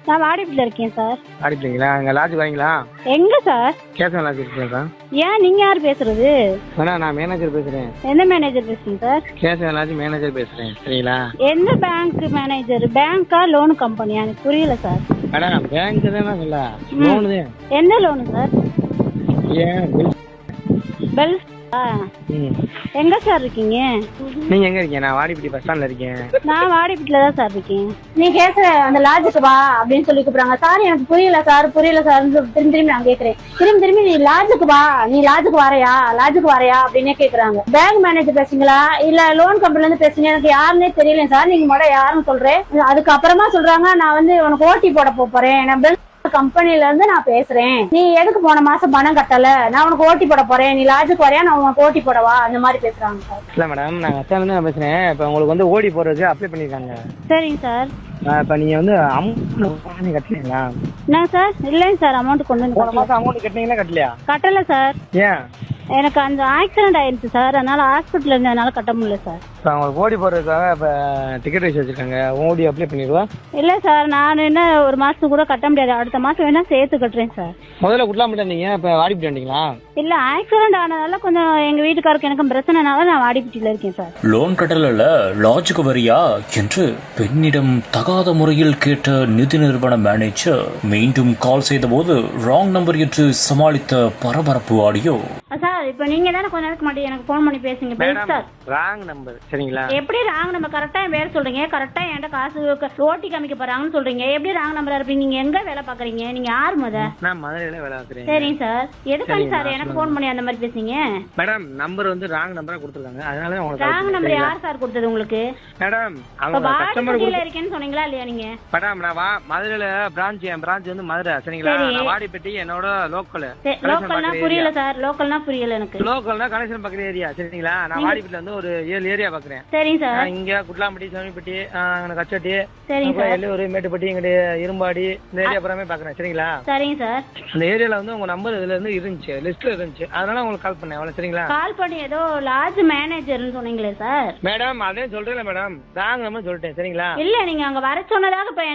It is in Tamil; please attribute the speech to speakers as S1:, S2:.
S1: நான் வாடிப்பட்டில இருக்கேன் சார்.
S2: வாடிப்பட்டிங்களா? அங்கே லாட்ஜ் வரீங்களா?
S1: எங்க சார்?
S2: கேசவன் லாட்ஜ் இருக்குங்களா?
S1: ஏன் நீங்க யார் பேசுறது?
S2: நான் மேனேஜர் பேசுறேன்.
S1: எந்த மேனேஜர் பேசுறீங்க சார்?
S2: கேசவன் லாட்ஜ் மேனேஜர் பேசுறேன். சரிங்களா?
S1: எந்த பேங்க் மேனேஜர்? பேங்கா லோன் கம்பெனியா? எனக்கு புரியல சார்.
S2: மேடம் பேங்க் தானே சொல்ல, லோனு தான்.
S1: என்ன லோனு சார்?
S2: ஏன்
S1: பெல் எங்க சார் இருக்கீங்க?
S2: நீங்க எங்க இருக்கீங்க? நான் வாடிப்பட்டி பஸ் ஸ்டாண்ட்ல இருக்கேன்.
S1: நான் வாடிப்பட்டில தான் சார் இருக்கேன். நீ கேக்குற அந்த லாட்ஜுக்கு வா அப்படின்னு சொல்லி கூப்பிடுறாங்க சார். எனக்கு புரியல சார் திரும்பி நான் கேக்குறேன். திரும்பி நீ லாட்ஜுக்கு வா, நீ லாட்ஜுக்கு வரையா அப்படின்னே கேக்குறாங்க. பேங்க் மேனேஜர் பேசுங்களா இல்ல லோன் கம்பெனில இருந்து பேசுங்க? எனக்கு யாருன்னே தெரியல சார். நீங்க மட்டும் யாருன்னு சொல்றேன். அதுக்கப்புறமா சொல்றாங்க நான் வந்து உனக்கு ஓட்டி போட போறேன், நான் கம்பெனில இருந்து நான் பேசுறேன். நீ எதுக்கு போன மாசம் பணம் கட்டல? நான் உனக்கு ஓட்டி போட போறேன், நீ லாட்ஜுக்கு வரையா, நான் உனக்கு ஓட்டி போடவா? அந்த மாதிரி பேசுறாங்க சார்.
S2: இல்ல மேடம், நான் அச்சால தான் பேசுறேன். இப்ப உங்களுக்கு வந்து ஓடி போறதுக்கு அப்ளை பண்ணிருக்காங்க.
S1: சரிங்க சார்.
S2: இப்ப நீங்க வந்து அமௌண்ட் கட்டலீங்களா?
S1: என்ன சார்? இல்லைங்க சார், அமௌண்ட் கொண்டு வந்து
S2: போன மாசம் அமௌண்ட் கட்டினீங்களா? கட்டலையா?
S1: கட்டல சார்.
S2: ஏன்?
S1: எனக்கு அந்த ஆக்சிடென்ட் ஆயிருச்சு சார், அதனால ஹாஸ்பிட்டல் இருந்ததுனால கட்ட முடியல சார்.
S2: இப்போ உங்களுக்கு ஓடி போடுறதுக்காக இப்போ டிக்கெட் வச்சு வச்சிருக்காங்க. ஓடி அப்ளை பண்ணிடுவா?
S1: இல்லை சார், நான் என்ன ஒரு மாதத்துக்கு கூட கட்ட முடியாது. அடுத்த மாதம் வேணா சேர்த்து கட்டுறேன் சார்.
S2: முதல்ல குட்டலாம் மாட்டேன். இப்போ வாடிப்பட்டி வந்தீங்களா?
S1: இல்லை, ஆக்சிடென்ட் ஆனதால கொஞ்சம் எங்கள் வீட்டுக்காருக்கு எனக்கும் பிரச்சனைனால நான் வாடிப்பட்டியில் இருக்கேன் சார்.
S3: லோன் கட்டல லாட்ஜுக்கு வரியா என்று பெண்ணிடம் தகாத முறையில் கேட்ட நிதி நிறுவன மேனேஜர் மீண்டும் கால் செய்த போது ராங் நம்பர் என்று சமாளித்த பரபரப்பு ஆடியோ.
S1: சார், இப்போ நீங்க தானே கொஞ்ச நேரத்துக்கு முன்னாடி எனக்கு ஃபோன் பண்ணி பேசுங்க சார்.
S2: Wrong number. சரிங்களா?
S1: எப்படி ராங் நம்பர்? கரெக்டா என் பேர் சொல்றீங்க, கரெக்டா என்கிட்ட காசு ஓட்டி காமிக்க போறாங்கன்னு சொல்றீங்க. எப்படி ராங் நம்பரா இருப்பீங்க? நீங்க எங்க வேலை பாக்குறீங்க? நீங்க யார் முத?
S2: நான் மதுரையில வேலை பார்க்குறேன்.
S1: சரிங்க சார். எதுக்காக சார் எனக்கு ஃபோன் பண்ணி அந்த மாதிரி பேசுங்க?
S2: மேடம் நம்பர் வந்து ராங் நம்பரா கொடுத்துருக்காங்க, அதனால உங்களுக்கு
S1: ராங் நம்பர் யார் சார் கொடுத்தது உங்களுக்கு?
S2: மேடம் அவங்க கஸ்டமர்
S1: கீழ இருக்கேன்னு சொன்னீங்களா இல்லையா நீங்க?
S2: மேடம் நான் மதுரையில என் பிரான்ச் வந்து மதுரை. சரிங்களா? நான் வாடிப்பட்டி என்னோட லோக்கல்.
S1: லோக்கல்னா புரியல சார். லோக்கல்னா புரியல எனக்கு.
S2: லோக்கல்னா கனெக்ஷன் பக்கற ஏரியா. சரிங்களா? நான் வாடிப்பட்டில வந்து ஒரு 7 ஏரியா பாக்குறேன்.
S1: சரிங்க சார்.
S2: இங்க குட்லாம்பட்டி, சோனிப்பட்டி, கச்சட்டி,
S1: சரிங்க சார்,
S2: எல்லூர், மேட்டுப்பட்டி, இங்க இரும்பாடி, இந்த ஏரியா பூராமே பாக்குறேன். சரிங்களா?
S1: சரிங்க சார்.
S2: அந்த ஏரியால வந்து உங்க நம்பர் இதுல இருந்து இருந்துச்சு, லிஸ்ட்ல இருந்துச்சு, அதனால உங்களுக்கு கால் பண்ணேன். அவ்வளவு. சரிங்களா?
S1: கால் பண்ணி ஏதோ லாட்ஜ் மேனேஜர்னு சொன்னீங்களே சார்.
S2: மேடம் அதே சொல்றேன் மேடம், ராங் நம்பர் சொல்லிட்டேன். சரிங்களா?
S1: இல்ல, நீங்க அங்க வர சொன்னதாக